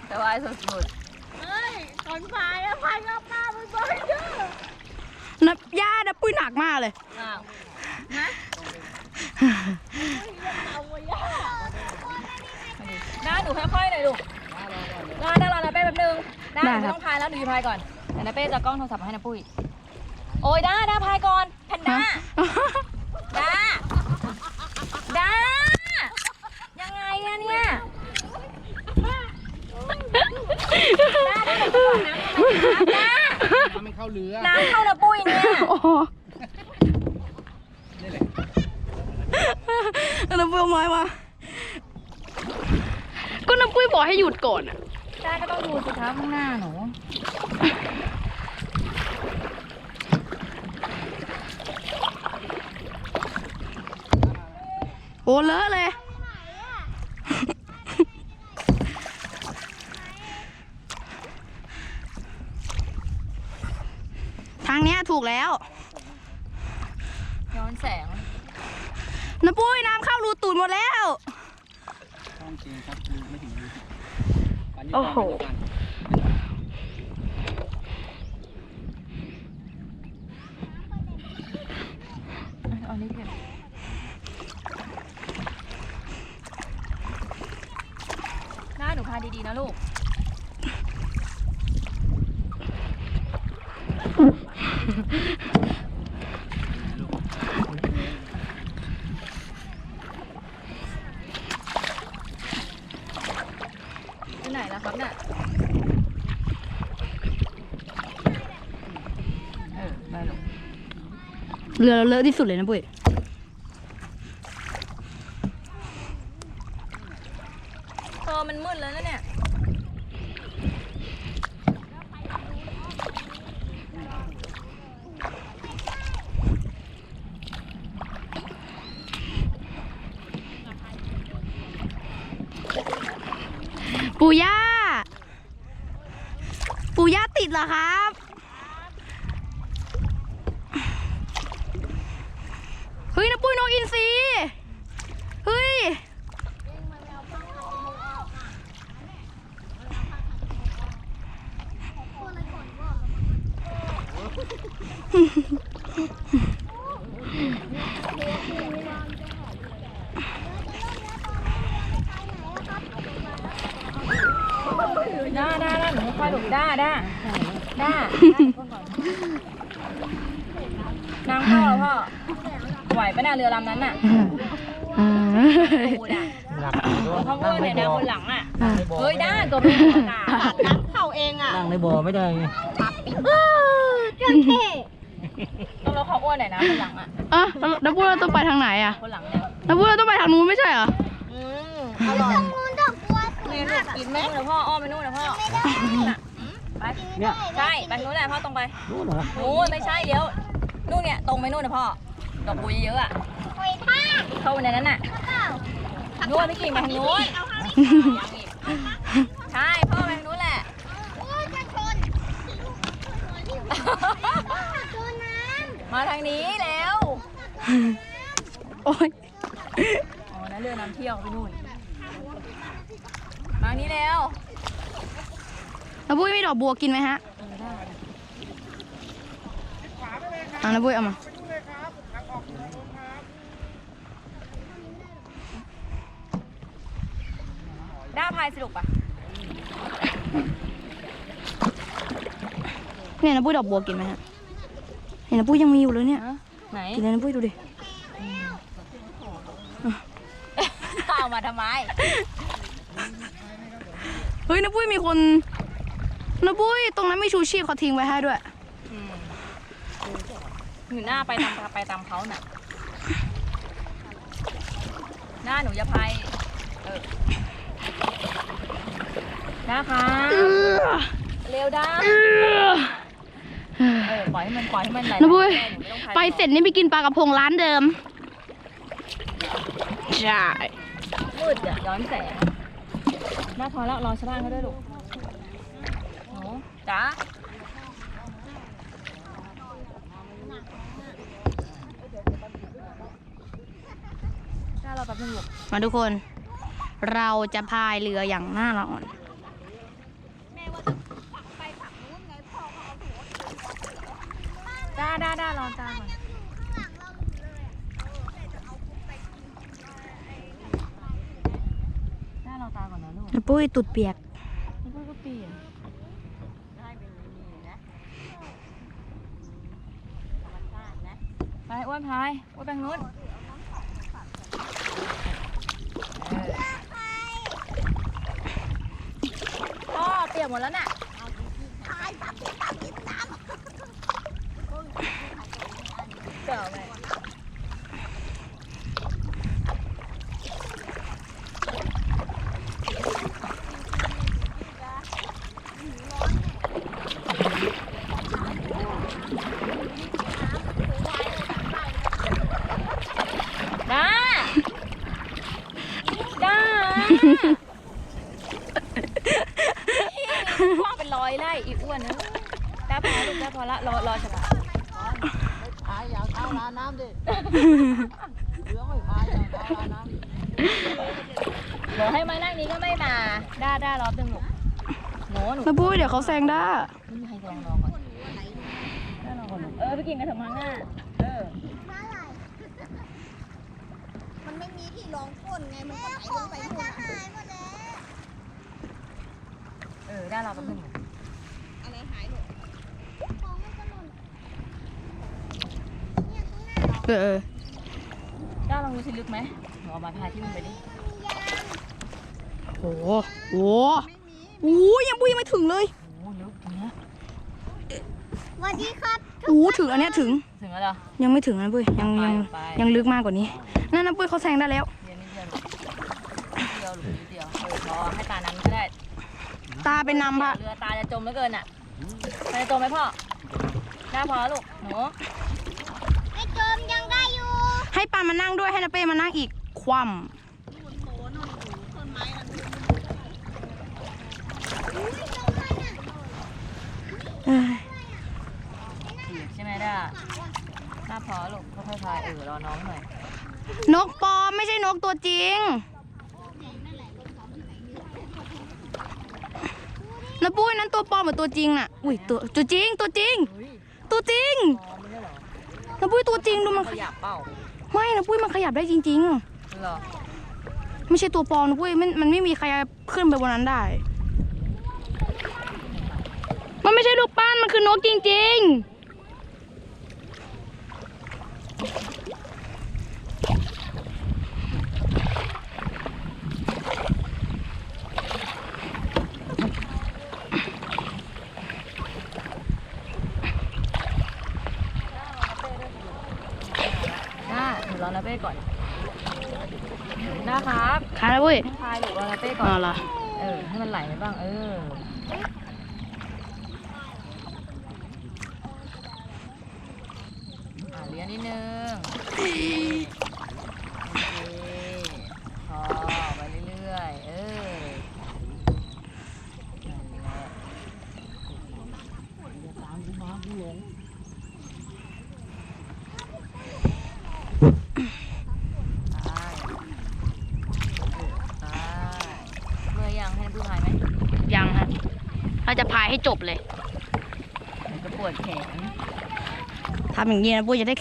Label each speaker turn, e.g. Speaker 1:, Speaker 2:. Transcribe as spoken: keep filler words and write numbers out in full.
Speaker 1: สบายสุดๆเฮ้ยตอนพายอะพายรอบหน้ามันบ่อยเด้อ
Speaker 2: นับย่านับปุ้ยหนักมากเลย
Speaker 1: อ้าวฮะน้าหนูค่อยๆหน่อยลูกรอได้รอนะเป้แป๊บนึงน้าหนูต้องพายแล้วหนูอยู่พายก่อนเดี๋ยวนะเป้จะกล้องโทรศัพท์ให้นะปุ้ยโอ้ยด้าด้าพายก่อนแพนด้าด้าด้ายังไงอะเนี่ยด้าด้าเดี๋ยวก่อนนะด้า
Speaker 3: น้ำไม่เข้าเรือ
Speaker 1: น้ำเข้านะปุ้ยเนี่ย
Speaker 2: น้ำปุ้ยเอาไม้มาก็น้ำปุ้ยบอกให้หยุดก่อนอ่ะ
Speaker 1: ด้าก็ต้องดูสิคะข้างหน้าหนู
Speaker 2: โอ้เลอะเลยทางเนี้ยถูกแล้ว
Speaker 1: ย้อนแสง
Speaker 2: น้ำปุ้ยน้ำเข้ารูตูดหมดแล้ว
Speaker 3: ต้องจริงครับไม่ถึงรู
Speaker 2: โอ้โห
Speaker 1: อันนี้เก็บหน้าหนูพาดีๆนะลูกไปไหนแล้วครับเนี่ยเออไปลูก
Speaker 2: เรือเราเลอะที่สุดเลยนะปุ้ย
Speaker 1: เออมันมืดแล้วนะเนี่ย
Speaker 2: ปู่ย่าปู่ย่าติดเหรอครับเฮ้ยนะปุ้ยนกอินทรีเฮ้ย
Speaker 1: ด้าด้าด้าหนูค่อยหลบด้าด้าด้าน้ำเข้าแล้วพ่อไหวปะเนี่ยเรือลำนั้นน่ะปูดอ่ะเขาเมื่อเนี่ยนะบนหลังอ่ะเฮ้ยด้าตัวเป็นหัวตาน้ำเข้าเองอ่ะ
Speaker 3: นั่งในบ่อไม่ได้ไง
Speaker 2: เจ้าเท่
Speaker 1: ต้องเราเขาอ้วนหน่อยนะบนหลังอ่ะ
Speaker 2: อ่ะน้ำพุเราต้องไปทางไหนอ่ะ
Speaker 1: บนหลังเนี่ย
Speaker 2: น้ำพุเราต้องไปทางนู้นไม่ใช่เหรอ
Speaker 1: อืมอร่อยตรงนู้นดอกบัวสวยมากกินไหมเดี๋ยวพ่ออ้อมไปนู่นนะพ่อไปเนี่ยใช่ไปนู้นแหละพ่อตรงไป
Speaker 3: นู้นเหรอ
Speaker 1: นู้นไม่ใช่เดี๋ยวนู่นเนี่ยตรงไปนู่นนะพ่อดอกบัวเยอะอ่ะเข้าไปในนั้นน่ะนู้นไม่กิ่งไปทางนู้นใช่พ่อไปทางนู้นแหละมาทางนี้แล้ว
Speaker 2: โอ้ย
Speaker 1: อ๋อนั่นเรือน้ำเที่ยวไปนู่นมานี้แล้ว
Speaker 2: น้าบุ้ยมีดอกบัวกินไหมฮะอ่ะน้าบุ้ยเอามา
Speaker 1: ด้าพายสนุกปะ
Speaker 2: เนี่ยน้าบุ้ยดอกบัวกินไหมฮะเห็นน้าบุ้ยยังมีอยู่เลยเนี่ย
Speaker 1: ไหน
Speaker 2: กินเลยน้าบุ้ยดูดิ
Speaker 1: เอามาทำไม
Speaker 2: เฮ้ยน้าบุ้ยมีคนน้าบุ้ยตรงนั้นมีชูชีพเขาทิ้งไว้ให้ด้วย
Speaker 1: หนูหน้าไปตามไปตามเขาน่ะหน้าหนูจะพายเออนะคะเร็วด้าเออปล่อยให้มันปล่อยให้มันไหล
Speaker 2: น้าบุ้ยไปเสร็จนี่ไปกินปลากระพงร้านเดิมใช่
Speaker 1: มืดอ่ะย้อนแสงหน้าพอแล้วรอชาวบ้านเขาด้วยลูกโอ้จ้าเราแป๊บนึงลูก
Speaker 2: มาทุกคนเราจะพายเรืออย่างหน้าร้อน
Speaker 1: ด้าด้าด้ารอตาก่อนด้ารอตาก่อนนะลูก
Speaker 2: นะปุ้ยตุดเปียก
Speaker 1: แล้วก็เปลี่ยนไปอ้วนพายอ้วนแบงนู้นพ่อเปียกหมดแล้วน่ะเก่าไหมด้าด้าพ่อเป็นร้อยไล่อีอ้วนนะด้าพอลูกด้าพอละรอรอฉลาด
Speaker 3: พายอย่าเข้าร้านน้ำดิเรือไม่พายอย่าเข้าร้านน้ำ
Speaker 1: เดี๋ยวให้มานั่งนี้ก็ไม่มาด้าด้ารอบดึงหนูหนูหนู
Speaker 2: นะปุ้ยเดี๋ยวเขาแซงได้
Speaker 1: นี่ให้ลองลองก่อนด้ารอก่อนเออไปกินกันเถอะมั้งอ่ะเออ
Speaker 4: มันไม่มีที่รองก้นไง มันก็ไหลลงไปหมดหายหมดแล้ว
Speaker 1: เออด้ารอแป๊บนึง
Speaker 4: อะไรหายหมดของมันก็หล่นเนี่ยข้างหน้า
Speaker 2: เออเออ
Speaker 1: ด้าลองดูสิลึกไหมหนูเอามาพายที่มันไปดิ
Speaker 2: โอ้โหโอ้โหยังปุ้ยยังไม่ถึงเลย
Speaker 1: โอ้ลึกตรงเนี้ย
Speaker 4: สวัสดีครับ
Speaker 2: โอ้โหถึงอันเนี้ยถึง
Speaker 1: ถึงแล้วเหรอ
Speaker 2: ยังไม่ถึงนะปุ้ยยังยัง
Speaker 1: ไป
Speaker 2: ยังลึกมากกว่านี้นั่นนะปุ้ยเขาแซงได้แล้ว
Speaker 1: เดียวนิดเดียวลูกนิดเดียวลูกนิดเดียวเออพอให้ตานั้นก็ได้
Speaker 2: ตาเป็นนำพะ
Speaker 1: เรือตาจะจมเหลือเกินอ่ะตาจะจมไหมพ่อด้าพอลูกหนู
Speaker 4: ไม่จมยังได้อยู่
Speaker 2: ให้ปามานั่งด้วยให้นาเป้มานั่งอีกคว่ำเอ้ย
Speaker 1: ถีบใช่ไหมด้าด้าพอลูกค่อยๆพายเออรอน้องหน่อย
Speaker 2: นกปลอมไม่ใช่นกตัวจริงนะปุ้ยนั้นตัวปลอมเหมือนตัวจริงน่ะอุ้ยตัวตัวจริงตัวจริง
Speaker 1: เฮ้ย
Speaker 2: ตัวจริง
Speaker 1: พอไม่ได้เหรอ
Speaker 2: นะปุ้ยตัวจริงดูมัน
Speaker 1: ขยับเปล่า
Speaker 2: ไม่นะปุ้ยมันขยับได้จริง
Speaker 1: เหรอ
Speaker 2: ๆ ไม่ใช่ตัวปลอมนะปุ้ยมันมันไม่มีใครขึ้นไปบนนั้นได้ มันไม่ใช่ลูกปั้นมันคือนกจริงๆ
Speaker 1: ด้าหนูรอนาเป้ก่อนด้าครับ
Speaker 2: ขาแล้วปุ้ย
Speaker 1: พายหนูรอนาเป้ก่อน
Speaker 2: อ๋อเหรอ
Speaker 1: เออให้มันไหลไปบ้างเอออ่ะเลี้ยงนิดนึงโอเคพอไปเรื่อยๆเออนั่นแหละอย่าตามกูมากูหลงไปไปเมื่อยยังให้น้ำพึ่งพายไหม
Speaker 2: ยังฮะเราจะพายให้จบเลย
Speaker 1: เดี๋ยวจะปวดแขน
Speaker 2: ทำอย่างนี้นะปุ้ยจะได้